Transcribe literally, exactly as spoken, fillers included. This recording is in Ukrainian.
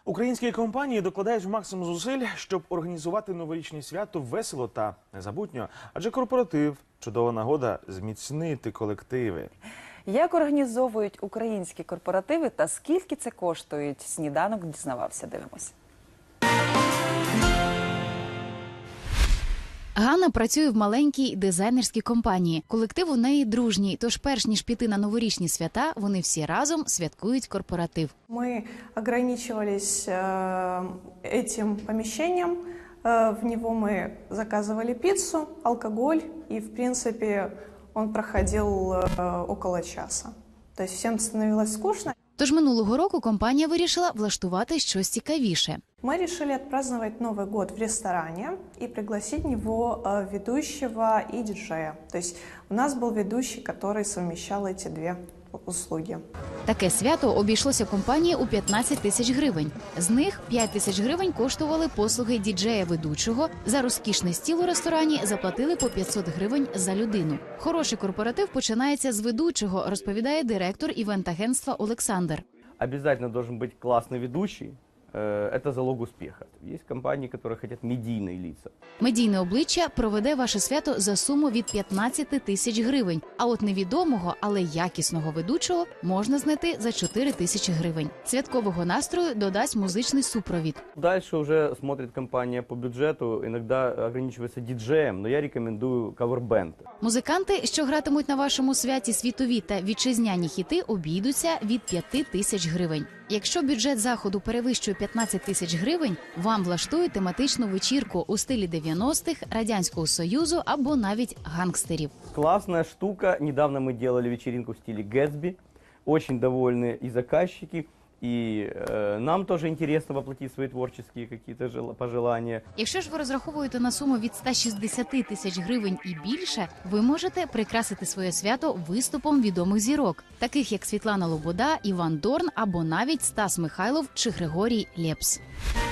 Українські компанії докладають максимум зусиль, щоб організувати новорічне свято весело та незабутньо. Адже корпоратив – чудова нагода зміцнити колективи. Як організовують українські корпоративи та скільки це коштують? Сніданок дізнавався, дивимося. Ганна працює в маленькій дизайнерській компанії. Колектив у неї дружній, тож перш ніж піти на новорічні свята, вони всі разом святкують корпоратив. Мы ограничивались э, этим помещением, э, в него мы заказывали пиццу, алкоголь, и в принципе он проходил э, около часа. То есть всем становилось скучно. Тож минулого року компанія вирішила влаштувати щось цікавіше. Мы решили отпраздновать Новый год в ресторане и пригласить в него э, ведущего и диджея. То есть у нас был ведущий, который совмещал эти две услуги. Таке свято обійшлося компанії у п'ятнадцять тисяч гривень. З них п'ять тисяч гривень коштували послуги діджея-ведучого. За розкішний стіл у ресторані заплатили по п'ятсот гривень за людину. Хороший корпоратив починається з ведучого, розповідає директор івент-агентства Олександр. Обязательно должен быть классный ведущий. Это залог успеха. Есть компании, которые хотят медийные лица. Медійне обличчя проведе ваше свято за суму від п'ятнадцяти тисяч гривень. А от невідомого, але якісного ведучого можна знайти за чотири тисячі гривень. Святкового настрою додасть музичний супровід. Дальше уже смотрит компания по бюджету, иногда ограничивается диджеем, но я рекомендую кавербенд. Музиканти, що гратимуть на вашому святі світові та вітчизняні хіти, обійдуться від п'яти тисяч гривень. Якщо бюджет заходу перевищує п'ятнадцять тисяч гривень, вам влаштують тематичну вечірку у стилі дев'яностих, Радянського Союзу або навіть гангстерів. Классная штука. Недавно мы делали вечеринку в стиле Гэтсби. Очень довольны и заказчики, и э, нам тоже интересно воплотить свои творческие какие-то пожелания. Якщо ж ви розраховуєте на суму від ста шістдесяти тисяч гривень і більше, ви можете прикрасити своє свято виступом відомих зірок, таких як Світлана Лобода, Іван Дорн або навіть Стас Михайлов чи Григорій Лепс.